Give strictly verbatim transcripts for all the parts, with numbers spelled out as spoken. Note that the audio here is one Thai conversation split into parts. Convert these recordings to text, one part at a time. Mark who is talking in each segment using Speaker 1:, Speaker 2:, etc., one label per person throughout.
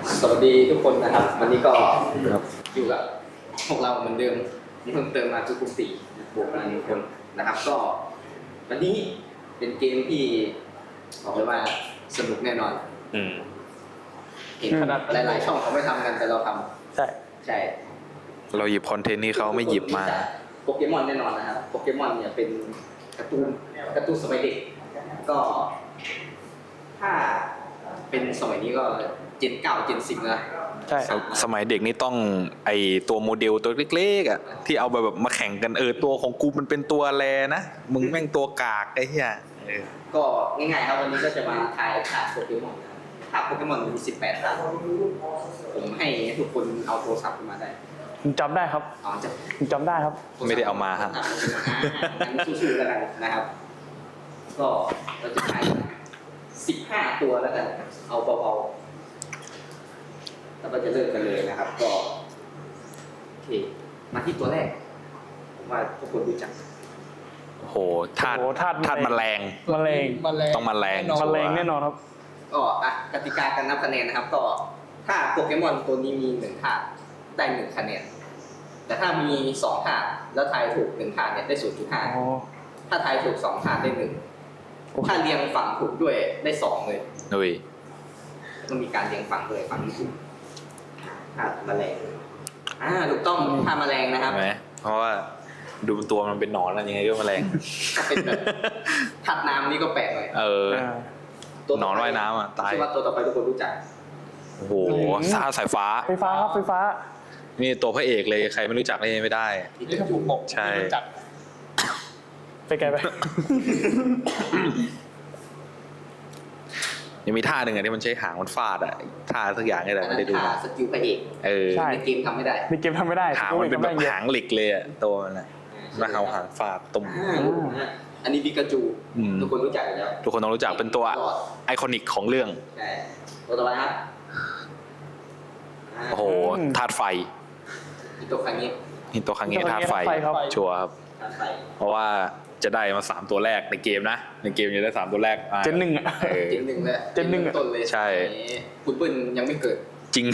Speaker 1: สวัสดีทุกคนนะครับวันนี้ก็อยู่กับพวกเราเหมือนเดิมมีเพิ่มเติมมาคือกลุ่มสี่บวกกันหนึ่งคนนะครับก็วันนี้เป็นเกมที่บอกเลยว่าสนุกแน่นอน
Speaker 2: อืม
Speaker 1: เห็นขนาดหลายๆช่องเขาไม่ทำกันแต่เราทำ
Speaker 3: ใช่
Speaker 1: ใช่
Speaker 2: เราหยิบคอนเทนต์นี้เขาไม่หยิบมา
Speaker 1: โปเกมอนแน่นอนนะครับโปเกมอนเนี่ยเป็นการ์ตูนการ์ตูนสมัยเด็กก็ถ้าเป็นสมัยนี้ก็เจนเก้าเจนสิบนะ
Speaker 3: ใช่
Speaker 2: สมัยเด็กนี่ต้องไอตัวโมเดลตัวเล็กๆอ่ะที่เอาแบบมาแข่งกันเออตัวของกูมันเป็นตัวแลนะมึงแม่งตัวกากไอ้เหี้ย
Speaker 1: ก็ง่ายๆครับวันนี้ก็จะมาทายถาดโปเกมอนถาดโปเกมอนมีสิบแปดถาดผมให้ทุกคนเอาโทรศัพท์มาได้
Speaker 3: ผมจำได้ครับ
Speaker 1: อ๋อจะ
Speaker 3: ผมจำได้ครับ
Speaker 2: ไม่ได้เอามาฮะ
Speaker 1: งั้นสู้ๆแล้วกันนะครับก็เราจะทายสิบห้าตัวแล้วกันเอาเบาๆแล้วก็จะเริ่มกันเลยนะครับก็โอเคมาที่ตัวแรกผมว่าทุกคนรู้จัก
Speaker 2: โหธาตุธาตุแมลง
Speaker 3: แมลง
Speaker 2: ต้องแมลง
Speaker 3: แมลงแน่นอนครับ
Speaker 1: ก็อ่ะกติกาการนับคะแนนนะครับก็ถ้าโปเกมอนตัวนี้มีหนึ่งธาตุได้หนึ่งคะแนนแต่ถ้ามีสองธาตุแล้วทายถูกหนึ่งธาตุเนี่ยได้ศูนย์จุดห้าถ้าทายถูกสองธาตุได้หนึ่งถ้าเรียงฝั่งถูกด้วยได้สองเลย
Speaker 2: ดุย
Speaker 1: ต้องมีการเรียงฝั่งด้วยฝั่งที่ถูกธาตุแมลงอ่าถูกต้องธาตุแมลงนะครับ
Speaker 2: ไหมเพราะว่าดูตัวมันเป็นหนอนอะไรยังไงก็แมลง
Speaker 1: ถ้าเป็นแบบธาตุน้ำนี่ก็แปลกหน่อย
Speaker 2: เออหนอนว่ายน้ำอ่ะตาย
Speaker 1: คิดว่าตัวต่อไปทุกคนรู้จัก
Speaker 2: โอ้โหซาสายฟ้า
Speaker 3: ไฟฟ้าครับไฟฟ้า
Speaker 2: นี่ตัวพระเอกเลยใครไม่รู้จักนี่ไม่ได้
Speaker 1: ที่จะถูกบอก
Speaker 2: ใช่
Speaker 3: ไปไกลไป
Speaker 2: ยังมีท่าหนึ่งอ่ะที่มันใช้หางมันฟาดอ่ะท่าสักอย่างนี่แหละไม่ได้ดู
Speaker 1: สกิลพระเอก
Speaker 2: เออ
Speaker 1: ในเกมทำไม่ได้
Speaker 3: ในเกมทำไม่ได้
Speaker 2: หางมันเป็นแบบหางเหล็กเลยอ่ะตัวมันนะมาเอาหางฟาดตุ่ม
Speaker 1: อันนี้ปิกาจูทุกคนรู้จักอยู่แล้ว
Speaker 2: ทุกคนต้องรู้จักเป็นตัวไอคอนิกของเรื่อง
Speaker 1: ใช่ตัวต่อไปครับ
Speaker 2: โอ้โหธาตุไฟ
Speaker 1: ฮิโตคังเงะ
Speaker 2: ฮิโตคังเงะธาตุไฟชัวร์ครับเพราะว่าจะได้มาสามตัวแรกในเกมนะในเกมจะได้สามตัวแรก
Speaker 3: เจนหนึ่งอ่ะ
Speaker 1: เจนหนึ่งเลย
Speaker 3: เจนหนึ่ง
Speaker 1: ต้นเลย
Speaker 2: ใช่
Speaker 1: คุณเปิ้ลยังไม่เกิด
Speaker 2: จริง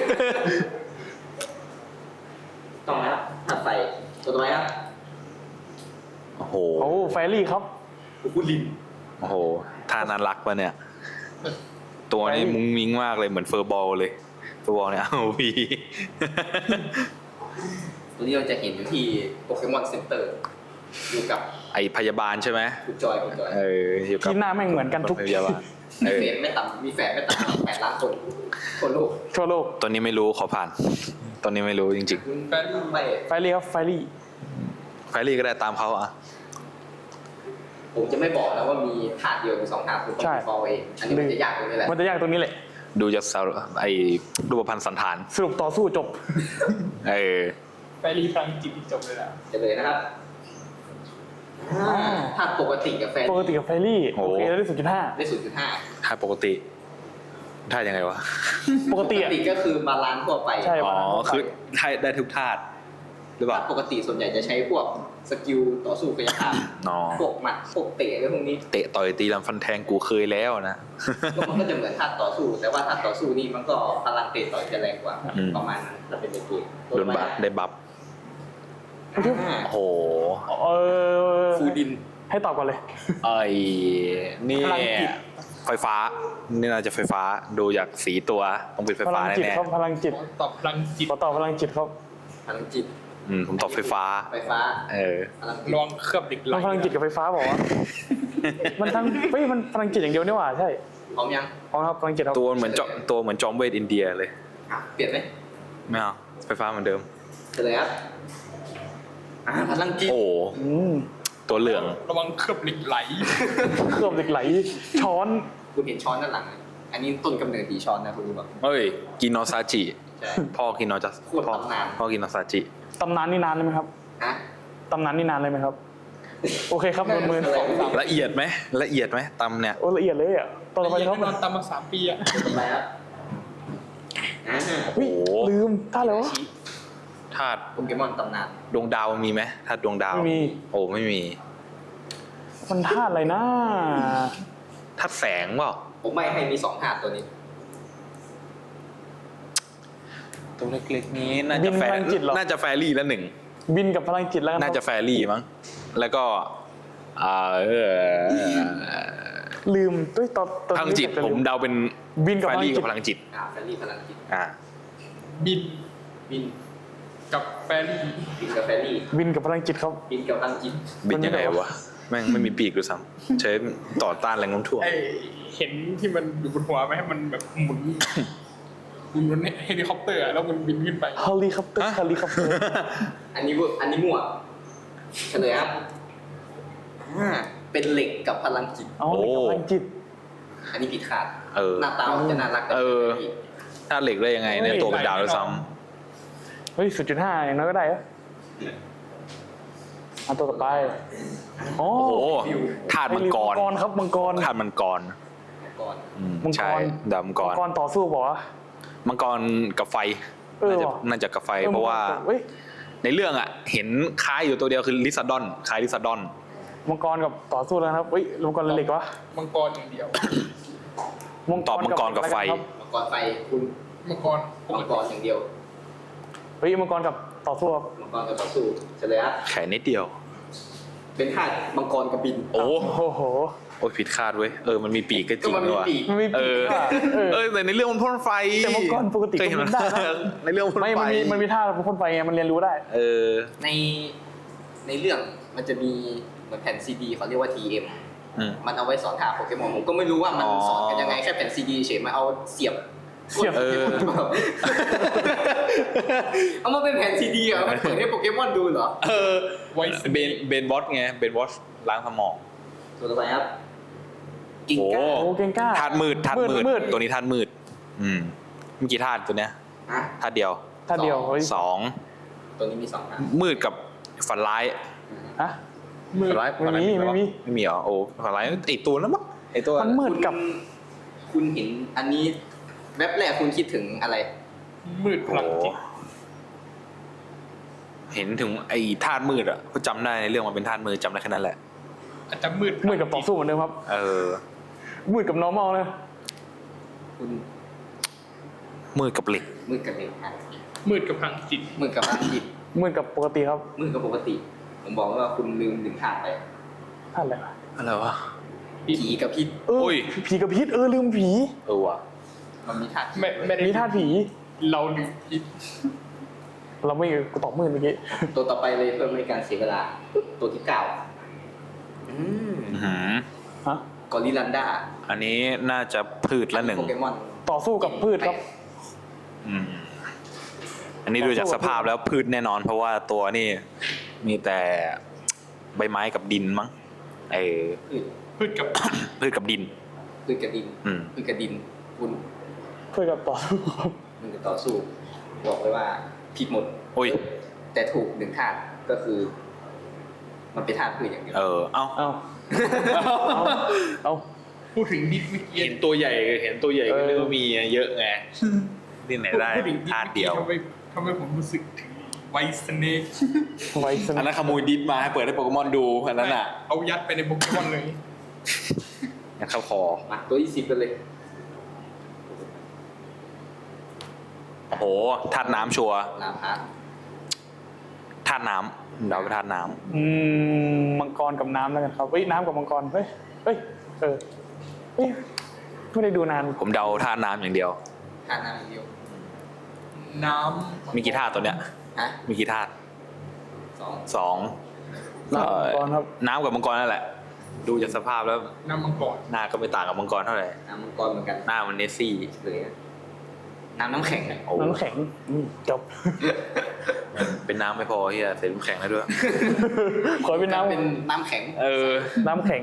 Speaker 1: ต้องนะธาตุไฟตัวต่อไปครับ
Speaker 2: โอ้โห
Speaker 3: โอ้ไฟรี่ครับ
Speaker 1: คุลิน
Speaker 2: โอ้โหท่านั้นรักปะเนี่ยตัวนี้มุ้งมิ้งมากเลยเหมือนเฟอร์บอลเลยเฟอร์บอลเนี่ยเอาวี
Speaker 1: ตัวนี้เราจะเห็นอยู่ที่โปเกมอนเซ็นเตอร์อยู่กับ
Speaker 2: ไอพยาบาลใช่ไหม
Speaker 1: คุณจอยคุณจอย
Speaker 2: เอออยู่กับ
Speaker 3: ที่หน้าแม่งเหมือนกันทุก
Speaker 2: พยาบาล
Speaker 1: มีแฝดไม่ต่ำมีแฝดไม่ต่ำแปดล้านคนคนโลก
Speaker 3: ทั่วโลก
Speaker 2: ตัวนี้ไม่รู้ขอผ่านตัวนี้ไม่รู้จริง
Speaker 1: ๆไฟรี่
Speaker 3: ไฟรี่ครับไฟรี่
Speaker 2: ไฟรี่ก็ได้ตามเขาอ่ะ
Speaker 1: ผมจะไม่บอกนะว่ามีธาตุเดียวหรือสองธาตุคุณต้องฟอลเองอันนี้มันจะยากตรงนี้แหละ
Speaker 3: มันจะยากตรงนี้แหละ
Speaker 2: ดูจากไอ้รูปพรรณสันฐาน
Speaker 3: สรุปต่อสู้จบ
Speaker 2: เออ
Speaker 1: ไฟรี่พลังจิตจบเลยนะจะเลยนะครับถ้าปกติกับแฟรี่
Speaker 3: ปกติกับแฟรี่โอเคได้ศูนย์จุดห้า
Speaker 1: ได้ศูนย์จุดห้า
Speaker 2: ถ้าปกติท่ายังไงวะ
Speaker 3: ปกติ
Speaker 1: ก็คือบาลานซ์ทั่วไป
Speaker 2: อ๋อคือได้ได้ทุกธาตุหรือเปล่า
Speaker 1: ปกติส่วนใหญ่จะใช้พวกสกิลต่อสู้กายภาพพวกหมัดพวกเตะอะไรพวกนี้
Speaker 2: เตะต่อยตีลำฟันแทงกูเคยแล้วนะ
Speaker 1: ก็มันก็จะเหมือนธาตุต่อสู้แต่ว่าธาตุต่อสู้นี่มันก็พลังเตะต่อยจะแรงกว่าประมาณนั้นถ้าเป็นในเกม
Speaker 2: โดนบัฟได้บัฟโอ้โห
Speaker 3: เออ
Speaker 1: ฟูดิน
Speaker 3: ให้ตอบก่อนเลย
Speaker 2: ไอ้นี่ไฟฟ้านี่น่าจะไฟฟ้าดูจากสีตัวต้องเป็นไฟฟ้าแน่
Speaker 3: ๆพลังจิต
Speaker 1: ตอบพลังจิต
Speaker 3: ตอบพลังจิตครับ
Speaker 1: พลังจิต
Speaker 2: อืมผมตอบไฟฟ้า
Speaker 1: ไฟฟ้า
Speaker 2: เออ
Speaker 1: ลองเคลือบดิกไหล
Speaker 3: พลังจิตกับไฟฟ้าบอกว่ามันทั้งเฮ้ยมันพลังจิตอย่างเดียวนี่หว่าใช่
Speaker 1: พร้อมยัง
Speaker 3: พร้อมครับพลังจิต
Speaker 2: ตัวเหมือนจอมตัวเหมือนจอมเวทอินเดียเลย
Speaker 1: เปลี่ยนไหม
Speaker 2: ไม่เอาไฟฟ้าเหมือนเดิม
Speaker 1: เลยครับอ่าพลังจิต
Speaker 2: โอ้ตัวเหลือง
Speaker 1: ระวังเคลือบดิกไหล
Speaker 3: เคลือบดิกไหลช้อน
Speaker 1: คุณเห็นช้อนด้านหลังอันนี้ต้นกำเนิดดีช้อนนะคุณรู้ป่ะ
Speaker 2: เฮ้ยกินโนซาจิพ่อกินโนจะ
Speaker 1: พ่อ
Speaker 2: พ่อกินโนซาจิ
Speaker 3: ตำนานนี่นานเลยไหมครับ
Speaker 1: ฮะ
Speaker 3: ตำนานนี่นานเลยไหมครับโอเคครับมือ
Speaker 2: ละเอียดไหมละเอียดไหมตำเนี่ย
Speaker 3: โอ้ละเอียดเลยอ่ะตอนไปครับ
Speaker 1: นอนตำมาสามปีอ่ะไปครับ
Speaker 3: โอ้ลืมท่าอะไรวะ
Speaker 2: ธาตุ
Speaker 1: โปเกมอนตำนาน
Speaker 2: ดวงดาวมีไหมธาตุดวงดาว
Speaker 3: ไม่มี
Speaker 2: โอ้ไม่มี
Speaker 3: มันธาตุอะไรนะ
Speaker 2: ธาตุแสงเปล่า
Speaker 1: ผมไม่ให้มีสองธาตุตัวนี้
Speaker 2: ตัวเล็กๆนี้น่า
Speaker 3: บิ
Speaker 2: จะ
Speaker 3: น
Speaker 2: แฟ
Speaker 3: พลังจิตเหรอ
Speaker 2: น่าจะแฟรี่ละหนึ่ง
Speaker 3: บินกับพลังจิตแล้วกัน
Speaker 2: น่าจะ
Speaker 3: ครับ
Speaker 2: แฟรี่มั้งแล้วก็อ่าเออ
Speaker 3: ลืมด้วยตอนตอน
Speaker 2: พลังจิต
Speaker 3: จะ
Speaker 2: ผ
Speaker 3: ลื
Speaker 2: มเดาเป็น
Speaker 3: บินกับ
Speaker 2: แฟ
Speaker 3: พลัง
Speaker 2: รี่
Speaker 3: จิ
Speaker 2: กั
Speaker 3: ต
Speaker 2: บพลังจิต
Speaker 1: อ่าแฟรี่พลังจิต
Speaker 2: อ่า
Speaker 4: บิน
Speaker 1: บิน
Speaker 4: กับแฟรี่
Speaker 1: บินกับแฟรี่
Speaker 3: บินกับพลังจิตครับ
Speaker 1: บินกับพลังจิต
Speaker 2: บินยังไงวะแม่งไม่มีปีกด้วยซ้ำใช้ต่อต้านแรงโน้มถ่วง
Speaker 4: ไอเห็นที่มันอยู่บนหัวไหมให้มันแบบหมุนหมุนบนเฮลิคอปเตอร์อะแล้วมันบินขึ้นไป
Speaker 3: เฮลิคอปเตอร์เฮลิคอปเตอร์
Speaker 1: อันนี้มั่วอันนี้มั่วเฉลยครับอ่าเป็นเหล็กกับพลังจิต
Speaker 3: เอาเหล็กกับพลังจิต
Speaker 1: อันนี้ผิดคาด
Speaker 2: เออ
Speaker 1: หน้าตามันจะน่ารักกับ
Speaker 2: เออ
Speaker 1: แฟรี่
Speaker 2: ถ้าเหล็กได้ยังไงเนี่ยตัวเป็นดาวด้วยซ้
Speaker 3: เฮ้ยศูนย์จุดห้าอย่างน้อยก็ได้เหรออันตัวต่อไปโอ้
Speaker 2: ำโอ้โหธาตุมังกร
Speaker 3: มังกรครับมังกร
Speaker 2: ธาตุมังกร
Speaker 1: ก่อน
Speaker 2: อืม
Speaker 3: มังกร
Speaker 2: ใช่ดาวมังกร
Speaker 3: มังกรต่อสู้บอกว่า
Speaker 2: มังกรกับไฟ
Speaker 3: เออ
Speaker 2: น่าจะ
Speaker 3: ว่ะ
Speaker 2: น่าจะกับไฟ
Speaker 3: ออ
Speaker 2: เพราะว่า
Speaker 3: เฮ้ย
Speaker 2: ในเรื่องอ่ะ เห็นคล้ายอยู่ตัวเดียวคือลิซาดอนคล้ายลิซาดอน
Speaker 3: มังกรกับต่อสู้แล้วนะครับเฮ้ยมังกรเหล็กวะ
Speaker 4: มังกรอย่างเดียว
Speaker 2: ตอบมังกรกับไฟ
Speaker 3: ครับ
Speaker 1: มังกรไฟคุณ
Speaker 4: มังกรป
Speaker 1: มั
Speaker 4: ก
Speaker 1: งก
Speaker 4: ติ
Speaker 1: รอย่างเดียว
Speaker 3: เฮ้ยมังกรกับต่อสู้ครับ
Speaker 1: มังกรกับต่อสู้เฉลยครับ
Speaker 2: แค่นิดเดียว
Speaker 1: เป็นธาตุมังกรกับบิน
Speaker 2: โอ้
Speaker 3: โอ้โห
Speaker 2: โอ้ยผิดคาดเว้ยเออมันมีปีกก็จ
Speaker 1: ก็
Speaker 2: ริง
Speaker 1: มัน
Speaker 2: ด้
Speaker 1: มี
Speaker 2: วย
Speaker 1: ปีก
Speaker 3: มันมี
Speaker 2: เอ
Speaker 3: ปี
Speaker 2: อก
Speaker 3: อะเออ
Speaker 2: เออแต่ในเรื่องมันพ่นไฟ
Speaker 3: แต่มังกรปกติ
Speaker 2: เคยเห็น
Speaker 3: ก็
Speaker 2: มัน
Speaker 3: บินได้นะ
Speaker 2: ในเรื่องพ่น
Speaker 3: ไม่
Speaker 2: ไฟ
Speaker 3: มันมีมันมีท่าพ่นไฟไงมันเรียนรู้ได้
Speaker 2: เออ
Speaker 1: ในในเรื่องมันจะมีเหมือนแผ่นซีดีเขาเรียกว่า ที เอ็ม
Speaker 2: อืม
Speaker 1: มันเอาไว้สอนท่าโปเกมอนผมก็ไม่รู้ว่ามัน
Speaker 2: อ๋อ
Speaker 1: สอนกันยังไงแค่แผ่นซีดีเฉยมาเอาเสียบ
Speaker 3: เสียบ
Speaker 1: กดโปเกมอนหรือเปล่า เอามาเป็นแผ่นซีดีเหรอมันเปิดให้โปเกมอนดูเหรอ
Speaker 2: เออ
Speaker 4: ไว้
Speaker 2: เบนเบนบอสไงเบนบอสล้างสมอง
Speaker 1: ตัวต่อไปครับกิง
Speaker 2: โอ้
Speaker 1: ก้า
Speaker 3: โอ้เก่งกล้า
Speaker 2: ธาตุมืดธาตุมืด
Speaker 3: มืด
Speaker 2: ตัวนี้ธาตุมืด อืมมีกี่ธาตุตัวเนี้ย
Speaker 1: อ่ะ
Speaker 2: ธาตุเดียว
Speaker 3: ท่าเดียวเฮ้ย
Speaker 2: สอง
Speaker 1: ตัวนี้มีสองอัน
Speaker 2: มืดกับฝันร้าย
Speaker 3: อะ
Speaker 4: มือ
Speaker 2: ฝันร้าย
Speaker 3: ไม่มี
Speaker 2: ฝันร้าย
Speaker 3: ไม่มี
Speaker 2: ไม่มีเหรอโอ้ฝันร้ายไอตัวนั้นมั้งไอตัว
Speaker 3: มันมืดกับ
Speaker 1: คุณเห็นอันนี้แว็บแรกคุณคิดถึงอะไร
Speaker 4: มืดพ
Speaker 2: โอ้
Speaker 4: ลังจิต
Speaker 2: เห็นถึงไอธาตุมืดอ่ะเขาจำได้ในเรื่องมันเป็นธาตุมืดจำได้แค่นั้นแหละ
Speaker 4: อาจจะมืด
Speaker 3: มืดกับต่อสู้เหมือนเดิมครับ
Speaker 2: เออ
Speaker 3: มืดกับ normal เลย
Speaker 1: คุณ
Speaker 2: มืดกับเหล็ก
Speaker 1: มืดกับเหล็กอ่ะ
Speaker 4: มืดกับพลังจิต
Speaker 1: มืดกับพลังจิต
Speaker 3: มืดกับปกติครับ
Speaker 1: มืดกับปกติ ผมบอกว่าคุณลืมหนึ่งธาตุไป
Speaker 3: ท่าอะไรวะ
Speaker 2: อะไรวะ
Speaker 1: ผีกับพิษ
Speaker 3: เออ
Speaker 2: โอ้ย
Speaker 3: ผีกับพิษเออลืมผี
Speaker 2: เออว่ะ
Speaker 1: มันมีธาตุ
Speaker 4: ไม่ไม่ได้
Speaker 3: มีท่าผี
Speaker 4: เราลืมพิษ
Speaker 3: เราไม่กูตอบมืดเมื่อกี้
Speaker 1: ตัวต่อไปเลยเพื่อไม่ให้การเสียเวลา ตัวที่เก้าอืม
Speaker 2: อื้อหือ
Speaker 3: ฮะ
Speaker 1: กอริลลันดา
Speaker 2: อันนี้น่าจะพืชละหนึ่ง
Speaker 1: โปเกมอน
Speaker 3: ต่อสู้กับพืชครับ
Speaker 2: อืมอันนี้ดูจากสภาพแล้วพืชแน่นอน เพราะว่าตัวนี่มีแต่ใบไม้กับดินมั้งเออ
Speaker 1: พืช
Speaker 4: พืชกับ
Speaker 2: พืชกับดิน
Speaker 1: พืชกับดิน
Speaker 2: อืม
Speaker 1: พืชกับดิน คุณ
Speaker 3: พืชกับต่อสู้ครับ
Speaker 1: มึงจะต่อสู้ บอกเลยว่าผิดหมด
Speaker 2: โอ้ย
Speaker 1: แต่ถูกหนึ่งธาตุก็คือ มันเป็นธาตุพืชอย่างเดียว
Speaker 2: เออ เอ้า
Speaker 3: เอาเอาเอา
Speaker 4: พูดถึงดิสเมื่อกี้
Speaker 2: เห็นตัวใหญ่เห็นตัวใหญ่ก็
Speaker 3: เออ
Speaker 2: นึกว่ามีเยอะไงที่ไหนได้
Speaker 4: พูดถึงดิส
Speaker 2: ธาตุ
Speaker 4: เมื่อ
Speaker 2: เดี
Speaker 4: กี้
Speaker 2: ยว
Speaker 4: ทำไมทำไมผมรู้สึกถึงไวสเนก
Speaker 3: ไว้ส
Speaker 2: อัน
Speaker 3: นะ
Speaker 2: นั้นขโมยดิสมาให้เปิดให้โปเกมอนดูอันนั้นอ่ะ
Speaker 4: เอายัดไปในโปเกมอนเลย
Speaker 2: ยัดเข้าคอ
Speaker 1: มาตัวที่สิบกันเลย
Speaker 2: โอ้โหธาตุน้ำชัวร์
Speaker 1: ลาพะ
Speaker 2: ธาตุน้ำเดาไปธาตุน้
Speaker 3: อืมมังกรกับน้ำแล้วกันครับเฮ้ยน้ำกับมังกรเฮ้ยเฮ้ยเออเฮ้ยไม่ได้ดูนาน
Speaker 2: ำผมเดาธาตุน้ำอย่างเดียว
Speaker 1: ธาตุน้ำอย่างเดียว
Speaker 4: น้ำ
Speaker 2: มีกี่ธาตุตัวเนี้ย
Speaker 1: ฮะ
Speaker 2: มีกี่ธาตุ
Speaker 1: สอง
Speaker 2: สอง
Speaker 3: น้ำกับมังกรครับ
Speaker 2: น้ำกับมังกรนั่นแหละ ดูจากสภาพแล้ว
Speaker 4: น้ำมังกร
Speaker 2: หน้าก็ไม่ต่างกับมังกรเท่าไหร่
Speaker 1: น้ำมังกรเหมือนกัน
Speaker 2: หน้ามันเนสซี่
Speaker 1: เลยอะน้ำน้ำแข็งอะ
Speaker 2: โอ้
Speaker 3: น้ำแข็งอืมจบ
Speaker 2: เป็นน้ำไม่พอเฮียใส่น้ำแข็งได้ด้วย
Speaker 3: ขอเป็นน้ำ
Speaker 1: เป็นน้ำแข็ง
Speaker 2: เออ
Speaker 3: น้ำแข็ง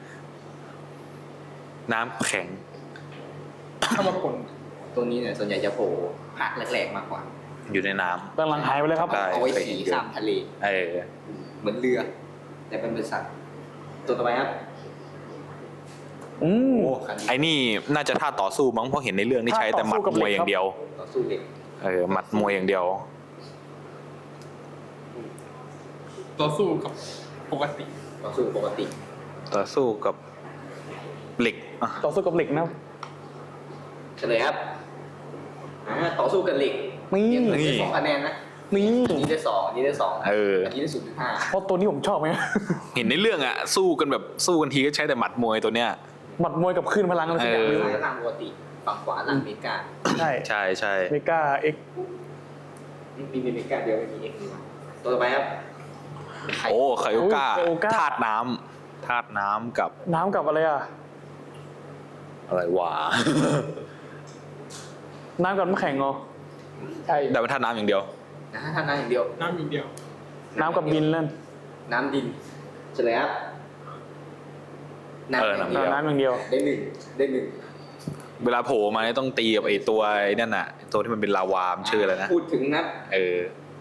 Speaker 2: น้ำแข็ง
Speaker 4: ถ้ามาผล
Speaker 1: ตัวนี้เนี่ยส่วนใหญ่จะโผล่ภาคแรกๆมากกว่า
Speaker 2: อยู่ในน้
Speaker 3: กำลังหายไปเลยครับ
Speaker 2: ได้
Speaker 1: เอาไว้ขี่ข้ามทะเล
Speaker 2: ำเออ
Speaker 1: เหมือนเรือ แต่เป็นบริษัทตัวต่อไปครับ
Speaker 3: อืม
Speaker 1: คันนี้
Speaker 2: ไอ้นี่น่าจะท่าต่อสู้มั้งเพราะเห็นในเรื่องนี่ใช้แต่หมัด
Speaker 3: ท่าต่อสู้กับ
Speaker 2: ม
Speaker 3: เหล็
Speaker 2: วย
Speaker 3: ก
Speaker 2: อย่างเดียว
Speaker 1: ต่อสู้เด็ก
Speaker 2: เออหมัดมวยอย่างเดียว
Speaker 4: ต่อสู้กับปกติ
Speaker 1: ต่อสู้ปกติ
Speaker 2: ต่อสู้กับเหล็กอ่ะ
Speaker 3: ต่อสู้กับเหล็กนะ
Speaker 1: เฉลยครับอ่าต่อสู้กับเหล็ก
Speaker 3: นี่
Speaker 1: เปลี่ยนได้สองคะแนนนะ
Speaker 3: นี่
Speaker 1: อันนี้ได้สองอันนี้ได้สอง
Speaker 2: เออ
Speaker 1: อันนี้ได้ศูนย์จุดห้า
Speaker 3: เพราะตัวนี้ผมชอบไหม
Speaker 2: เห็นในเรื่องอะสู้กันแบบสู้กันทีก็ใช้แต่หมัดมวยตัวเนี้ย
Speaker 3: หมัดมวยกับคลื่นพลังอะไรสักอย่าง
Speaker 2: เออ
Speaker 3: ไม่รู้
Speaker 1: ซ้ายล่างปกติฝั่งขวาล่างเมกา
Speaker 3: ใช่
Speaker 2: ใช่ใช่
Speaker 3: เมกาเอ็ก
Speaker 1: มีเมกาเดียวไม่มีเอ็กซ์ดีกว่าตัวต่อไปครับไข่
Speaker 2: โอ้ไคโอก้าธาตุน้ำธาตุน้ำกับ
Speaker 3: น้ำกับอะไรอ่ะ
Speaker 2: อะไรวะ
Speaker 3: น้ำกับน้ำแข็งเหรอ
Speaker 4: ใช่
Speaker 2: แต่เป็นธาตุน้ำอย่างเดียว
Speaker 1: นะท่านน้ำอย่างเดียว
Speaker 4: น้ำอย่างเดียว
Speaker 3: น้ำกับดินนั่น
Speaker 1: น้ำดินเฉลยครับน้ำ
Speaker 2: เออ
Speaker 1: อย่าง
Speaker 2: น้ำ
Speaker 1: เดียว
Speaker 3: น้ำอย่างเดียว
Speaker 1: ได้หนึ่งได้หนึ่ง
Speaker 2: เวลาโผล่มาเนี่ยต้องตีกับไอ้ตัวไอ้นั่นน่ะไอ้ตัวที่มันเป็นลาวามนชื่ออะไรนะ
Speaker 1: พูดถึงนะ
Speaker 2: เออ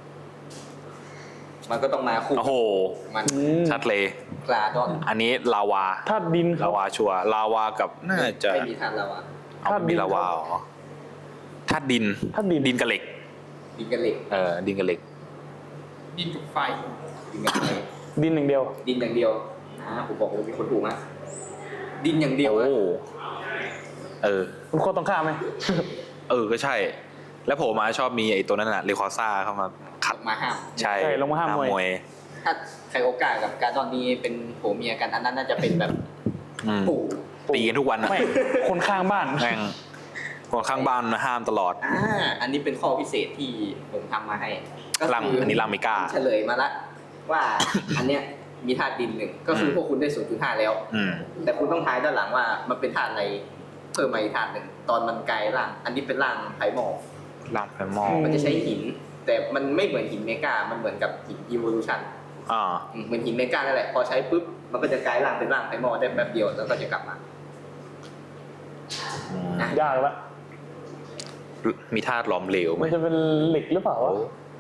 Speaker 1: มันก็ต้องมาคู่
Speaker 2: โอ้โห
Speaker 1: มัน
Speaker 3: อืม
Speaker 2: ชัดเลย
Speaker 1: กลาดอน
Speaker 2: อันนี้ลาวา
Speaker 3: ธาตุดินครั
Speaker 2: ลา
Speaker 3: บ
Speaker 2: วาชัวร์ลาวากับน่าจะ
Speaker 1: ไม่มีทานเราอ่ะ
Speaker 2: เอาไม่มีลาวาเหรอธาตุดิน
Speaker 3: ธาตุดิน
Speaker 2: ดินกับเหล็ก
Speaker 1: ดินกับเหล็ก
Speaker 2: เออดินกับเหล็ก
Speaker 4: ดินกับไฟ
Speaker 1: ดินกับไฟ
Speaker 3: ดินอย่างเดียว
Speaker 1: ดินอย่างเดียวอ่าผมบอกเลยมีคนถูกนะดินอย่างเดียว
Speaker 2: โอ้
Speaker 1: อะ
Speaker 2: เออ
Speaker 3: มันโคตรต้องข้ามไหม
Speaker 2: เออก็ใช่ แล้วโผล่มาชอบมีไอ้ตัวนั้นน่ะเรคอซ่าเข้ามาขัด
Speaker 1: มาห้าม
Speaker 2: ใช่
Speaker 3: ใช่ลงมาห้ามมวย
Speaker 2: วย
Speaker 1: ถ้าไคโอกากับการดอนนี้เป็นผัวเมียกันอันนั้นน่าจะเป็นแบบ
Speaker 2: อืม
Speaker 1: ปู่
Speaker 2: ตีกันทุกวันนะ
Speaker 3: ไม่ คนข้างบ้าน
Speaker 2: แม่งคนข้างบ้านมาห้ามตลอด
Speaker 1: อ่าอันนี้เป็นข้อพิเศษที่ผมทำมาให้ก็
Speaker 2: ลังอันนี้ลังเมกา
Speaker 1: เฉลยมาละว่า อันเนี้ยมีธาตุดินหนึ่งก็คือพวกคุณได้ ศูนย์จุดห้า แล้ว
Speaker 2: อืม
Speaker 1: แต่คุณต้องทายด้านหลังว่ามันเป็นธาตุอะไรเพิ่มมาอีกธาตุหนึ่งตอนมันกลายร่าง อันนี้เป็นร่างไผ่หมอก
Speaker 2: ลังไฟมอ
Speaker 3: อื
Speaker 1: มันจะใช้หิน แต่มันไม่เหมือนหินเมกา มันเหมือนกับหินอีโวลูชัน
Speaker 2: อ่า
Speaker 1: เหมือนหินเมกานั่นแหละพอใช้ปุ๊บมันก็จะกลายร่างเป็นร่างไผ่หมอกได้แป๊บเดียวแล้วก็จะกลับมา
Speaker 2: อืม
Speaker 1: อ่ะ
Speaker 3: ยากละ
Speaker 2: มีธาตุหลอมเหลวไหม
Speaker 3: มันจะเป็นเหล็กหรือเปล่าวะ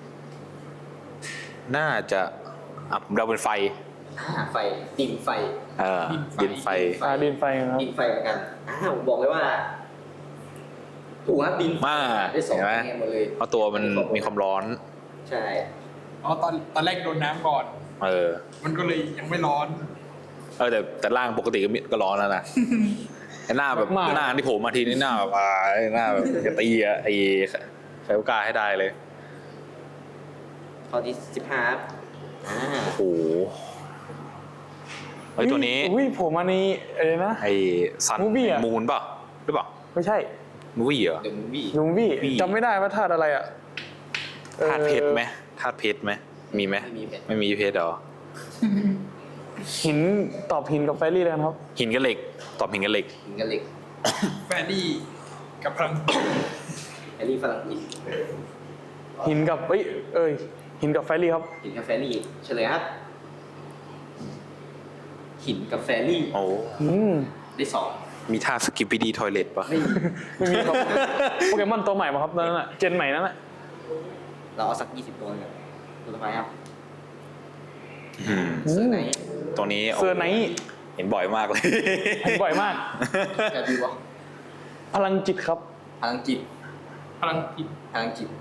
Speaker 2: น่าจะอ่ะผมเดาเป็นไฟ
Speaker 1: อ่าไฟดินไฟ
Speaker 2: เออดินไฟ
Speaker 3: อ่าดินไฟครับ
Speaker 1: ดินไฟเหมือนกันอ่าผมบอกเลยว่าถูกครับดินไฟ
Speaker 2: มา
Speaker 1: ได้สอง
Speaker 2: เห็นไหม
Speaker 1: คะแนนหมดเลย
Speaker 2: เพราะตัวมันมีความร้อน
Speaker 1: ใช่
Speaker 4: อ๋อตอนตอนแรกโดนน้ำก่อน
Speaker 2: เออ
Speaker 4: มันก็เลยยังไม่ร้อน
Speaker 2: เออแต่แต่ร่างปกติก็มีก็ร้อนแล้วนะ ไอ้หน้าแบบ
Speaker 3: มาก
Speaker 2: หน้าที่โผล่มาทีนี่หน้าแบบอ่าไอ้หน้าแบบจะตีอะไอ้ไฟโอกาให้ได้เลย
Speaker 1: ข้อที่สิบห้าครับอ่า
Speaker 2: โอ้โหไอ้ยตัวนี้
Speaker 3: อุ้ยผมอันนี้อะไรนะ
Speaker 2: ไอ้ซัน
Speaker 3: Movie อะ
Speaker 2: มูนเปล่าหรือเปล่า
Speaker 3: ไม่ใช่
Speaker 2: มูวี่เหรอ
Speaker 1: เดอะมูฟวี่
Speaker 3: ลุงวี่
Speaker 2: วี่
Speaker 3: จำไม่ได้ว่าธาตุอะไรอ่ะ
Speaker 2: ธาตุเพชรไหมธาตุเพชรไหมมีไหม
Speaker 1: ไม่มีเพชร
Speaker 2: ไม่มีเพชรเหรอ
Speaker 3: หินตอบหินกับไฟรี่เลยครับ
Speaker 2: หินกับเหล็ก ตอบหินกับเหล็ก
Speaker 1: หินกับเหล็ก
Speaker 4: แฟรี่กับพลัง
Speaker 1: แฟรี่ฝรั่งอิน
Speaker 3: หินกับเอ้ยเอ้ยหินกับไฟรี่ครับ
Speaker 1: หินกับแฟรี่เฉลยครับหินกับแฟรี่
Speaker 2: โอ้
Speaker 3: อืม
Speaker 1: ได้สอง
Speaker 2: มีท่าสกิปปี้ดีทอยเลทป่ะ
Speaker 1: ไม่มี
Speaker 3: ไม่มีครับ โปเกมอนตัวใหม่มาครับนั่นน่ะเจนใหม่นั่นน่ะ
Speaker 1: เราเอาสักยี่สิบตัวเลยตัวต่อไปครับ
Speaker 2: อืม
Speaker 1: เซอร์ไนท์
Speaker 2: ตัวนี้โ
Speaker 3: เซอร์ไนท์
Speaker 2: เห็นบ่อยมากเลย
Speaker 3: เห็นบ่อยมาก
Speaker 1: กาบิวะ
Speaker 3: พลังจิตครับ
Speaker 1: พลังจิต
Speaker 4: พลังจิต
Speaker 1: พลังจิต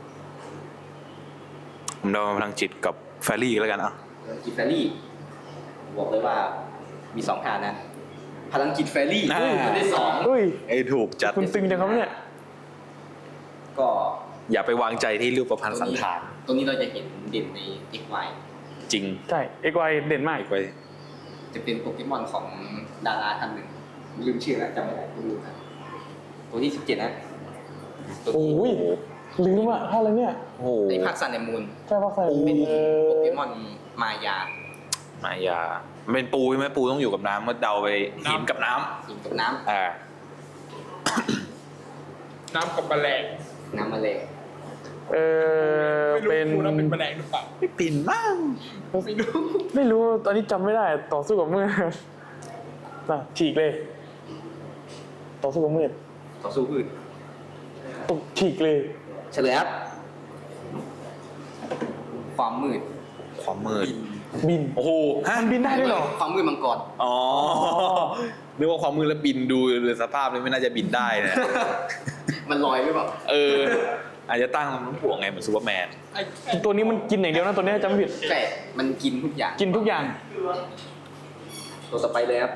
Speaker 2: ผมเดาพลังจิตกับแฟรี่แล้วกันอ่ะ
Speaker 1: พลังจิตแฟรี่ผมบอกเลยว่ามีสองทางนะ พลังจิตแฟรี่
Speaker 2: อ่า
Speaker 1: ได้สอง
Speaker 3: อุ้ย
Speaker 2: ไอ้ถูกจัด
Speaker 3: คุณตึงจังครับเนี่ย
Speaker 1: ก็
Speaker 2: อย่าไปวางใจที่รูปประพันธ์สันฐาน
Speaker 1: ตรงนี้เราจะเห็นเด่นใน เอ็กซ์ วาย
Speaker 2: จริง
Speaker 3: ใช่เอ็กไวเด่นมาก
Speaker 2: ไป
Speaker 1: จะเป็นโปเกมอนของดาราท่านหนึ่งลืมชื่อแล้วจำไม่ได้คุณดูครับตัวที่สิบเจ็ดนะตัว
Speaker 3: โอ้
Speaker 1: ที่
Speaker 3: ยลืมอ่ะท่าอะไรเนี่ย
Speaker 2: โอ้โห
Speaker 1: ในภาคซันแอนด์มูน
Speaker 3: ใช่ปะใส่
Speaker 1: เป็น
Speaker 3: เออ
Speaker 1: โปเกมอนมายา
Speaker 2: มายามันเป็นปูใช่ไหมปูต้องอยู่กับน้ำก็เดาไปหินกับน้ำ
Speaker 1: หินกับน้
Speaker 2: อ่า
Speaker 4: น้ำกับแมลง
Speaker 1: ำน้ำมาเลย
Speaker 3: เออ
Speaker 4: ไม่รู้
Speaker 3: เป็น
Speaker 4: พูดแล้วเป็นแมลงหรือเปล่า
Speaker 2: ไม่ปิ่นบ้าง
Speaker 4: ไม่รู้
Speaker 3: ไม่รู้ตอนนี้จำไม่ได้ ต่อสู้กับมืดน่ะฉีกเลย ต่อสู้กับมืด
Speaker 1: ต่อสู้พืช
Speaker 3: ตกฉีกเลย
Speaker 1: เฉลยครับความมืด
Speaker 2: ความมืด
Speaker 3: บิน
Speaker 2: โอ้โหฮะ
Speaker 3: มันบินได้ด้วยเหรอ
Speaker 1: ความมืดมังกร
Speaker 2: อ๋อนึกว่าความมืดแล้วบินดูเลยสภาพนี้ไม่น่าจะบินได้นะ
Speaker 1: มันลอยหรือเปล่า
Speaker 2: เออ อาจจะตั้งมันถ่วงไงเหมือนซูเปอร์แมน
Speaker 4: ไอ้ไอ้
Speaker 3: ตัวนี้มันกินอย่างเดียวนะตัวนี้จำไม่ผิด
Speaker 1: ใช่มันกินทุกอย่าง
Speaker 3: กินทุกอย่าง
Speaker 1: ตัวต่อไปเลยครับ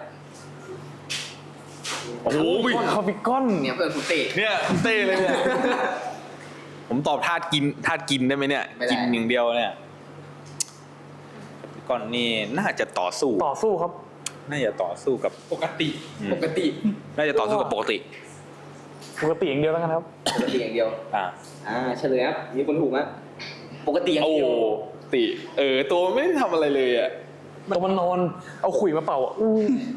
Speaker 2: โอ้โห
Speaker 3: คาบิกอน
Speaker 1: เนี่ยเพื่อนคุณเต้
Speaker 2: เนี่ยเต้เลยเนี่ยผมตอบธาตุกินธาตุกินได้ไหมเนี่ย
Speaker 1: ไม่ได้
Speaker 2: กินอย่างเดียวเนี่ยก่อนนี่น่าจะต่อสู้
Speaker 3: ต่อสู้ครับ
Speaker 2: น่าจะต่อสู้กับ
Speaker 4: ปกติ
Speaker 2: อืม
Speaker 1: ปกติ
Speaker 2: น่าจะต่อสู้กับปกติ
Speaker 3: ปกติอย่างเดียวแล้วกันครับ
Speaker 1: ปกติอย่างเดียว
Speaker 2: อ่า
Speaker 1: อ่าเฉลยครับมีคนถูกไหมปกติอย่าง
Speaker 2: โอ้
Speaker 1: เดียว
Speaker 2: ติ เออ ตัวไม่ได้ทำอะไรเลยอ่ะ
Speaker 3: ตัวมันนอน เอาขุยมาเป่าอ่ะอู้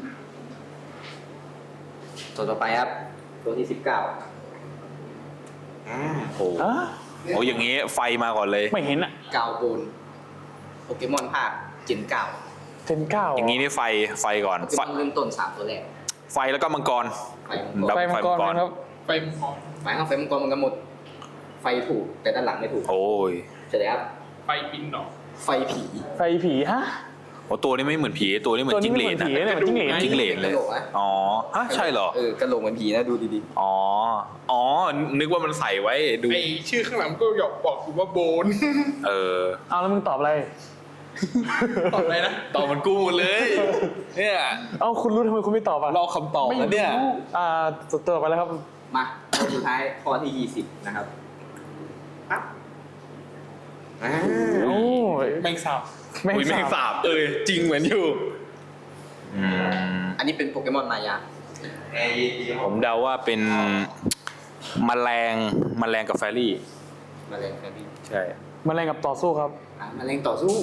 Speaker 1: ตัวต่อไปครับ ตัวที่สิบเก้าอ่า
Speaker 2: โอ้
Speaker 3: อะ
Speaker 2: โหอย่างงี้ไฟมาก่อนเลย
Speaker 3: ไม่เห็นอ่ะ
Speaker 1: กาวโบนโปเกมอนภาคเจนเก้า
Speaker 3: เทนเก้า
Speaker 2: อย่างงี้นี่ไฟไฟก่อน
Speaker 1: โปเก
Speaker 2: ไฟ
Speaker 1: มอนเริ่มต้นสามตัวแรก
Speaker 2: ไฟแล้วก็มังกร
Speaker 1: ไฟมังกร
Speaker 3: ไฟมังกรนะครับ
Speaker 4: ไฟมันพอ
Speaker 1: ไฟข้างไฟมังกรมันกันหมด ไฟถูกแต่ด้านหลังไม่ถูก
Speaker 2: โอ้ย
Speaker 1: เฉลยครับ
Speaker 4: ไฟบินหนอ
Speaker 1: ไฟผี
Speaker 3: ไฟผีฮะ
Speaker 2: โอ้ตัวนี้ไม่เหมือนผีตัวนี้เหมือนจิ้งเหลน
Speaker 3: ตัวนี้ไม่เหมือนผีเนี่ยเหมือนจิ้งเหลน
Speaker 2: จิ้งเหลนเลย
Speaker 1: กระโหลกนะ
Speaker 2: อ๋อฮะใช่เหรอ
Speaker 1: เออกระโหลกเหมือนผีนะดูดี
Speaker 2: อ๋อ อ๋อ นึกว่ามันใส่ไว้ดู
Speaker 4: ไอชื่อข้างหลังก็หยอกบอกอยู่ว่าโบน
Speaker 2: เออ
Speaker 3: เอาแล้วมึงตอบอะไร
Speaker 4: ตอบอะไรนะ
Speaker 2: ตอบมันกูหมดเลย เนี่ย
Speaker 3: เอ้าคุณรู้ทำไมคุณไม่ตอบอ่ะ
Speaker 2: รอคำตอบแล้วเนี่ย
Speaker 3: อ่าตัวต่อไปแล้วครับ
Speaker 1: ๆ มาข้อสุดท้ายข้อที่ยี่สิบนะครับปั๊บอ่า
Speaker 3: โอ้ย
Speaker 4: แมงสาบ
Speaker 3: แม่ง
Speaker 2: อุ้ยแม่ง
Speaker 3: สา
Speaker 2: สา
Speaker 3: บบ
Speaker 2: เออจริงเหมือนอยู่ อืม
Speaker 1: อันนี้เป็นโปเกมอนมายา
Speaker 2: ผมเดาว่าเป็นแมลงแมลงกับแฟรี่
Speaker 1: แมลงแฟรี่
Speaker 2: ใช่
Speaker 3: มันแรงกับต่อสู้ครับ
Speaker 1: อ่ะแมลงต่อสู้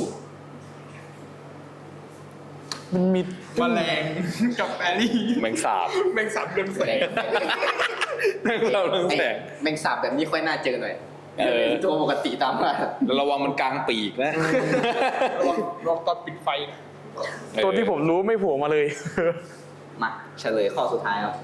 Speaker 3: มันมี
Speaker 4: แมลงกับแฟรี่
Speaker 2: แมงสาบ
Speaker 4: แมงสาบเรืองแส
Speaker 1: แมล
Speaker 4: ง
Speaker 1: ง
Speaker 2: แมงสาบเรืองแสง
Speaker 1: แมงสาบแบบนี้ค่อยน่าเจอหน่อย
Speaker 2: เออ
Speaker 1: ตัวปกติตามมา
Speaker 2: แล้วระวังมันกลางปีกนะ
Speaker 4: ลองลองตอนปิดไฟนะ
Speaker 3: ตัวที่ผมรู้ไม่โผล่มาเลย
Speaker 1: มาเฉลยข้อสุดท้ายครับ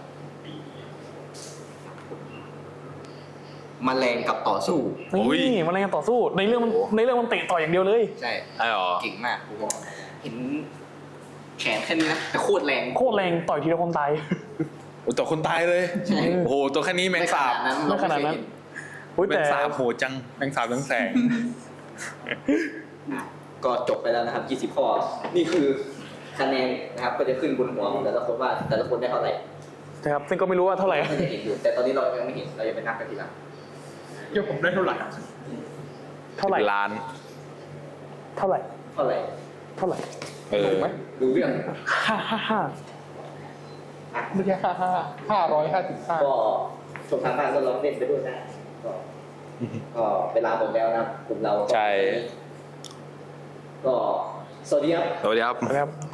Speaker 1: แมลงกับต่อสู้
Speaker 3: นี่มันแรงกับต่อสู้ ในเรื่องมันในเรื่องมันเตะต่อยอย่างเดียวเลย
Speaker 1: ใช่
Speaker 2: ไอ้หรอ
Speaker 1: เก่งมากผมบอกเห็นแขนแค่นี้นะแต่โคตรแรง
Speaker 3: โคตรแรงต่อยทีละคนตาย
Speaker 2: โอ้ตัวคนตายเลย
Speaker 1: ใช่
Speaker 2: โอ้โห ตัวแค่นี้แมงสาบ
Speaker 1: ไม่ขนาดนั้นเรา
Speaker 3: ไม่ขนาดนั้น
Speaker 1: ไม่เคยเห็น
Speaker 3: อุ๊ย
Speaker 2: แม
Speaker 3: แต่
Speaker 2: งสาบโหดจัง แมงสาบเรืองแสง
Speaker 1: อ่ะก็จบไปแล้วนะครับยี่สิบข้อ นี่คือคะแนนนะครับก็จะขึ้นบนหัวของแต่ละคนว่าแต่ละคนได้เท่าไหร่
Speaker 3: นะครับซึ่งก็ไม่รู้ว่าเท่าไหร่
Speaker 1: ก็จะเห็นอยู่แต่ตอนนี้เรายังไม่เห็นเราจะไปนับกันทีหลัง
Speaker 4: เดี๋ยวผมได้เท่าไหร่
Speaker 3: เท่าไหร่
Speaker 2: ล้าน
Speaker 3: เท่าไหร่
Speaker 1: เท่าไหร่
Speaker 3: เท่าไหร่
Speaker 2: เออ
Speaker 4: ถูกไหม
Speaker 1: ดูเรื่อง
Speaker 3: ห้าห้าห้า
Speaker 1: อ่ะ
Speaker 4: ไม่ใช่ห้าห้าห้าร้อยห้าสิบห้า
Speaker 1: ก็ชมทางบ้านก็ลองเล่นไปด้วยนะก็ก็เวลาหมดแล้วนะครับกลุ่มเราก็
Speaker 2: ใช่
Speaker 1: ก็สวัสดีครับ
Speaker 2: สวัสดีครับ
Speaker 3: นะครับ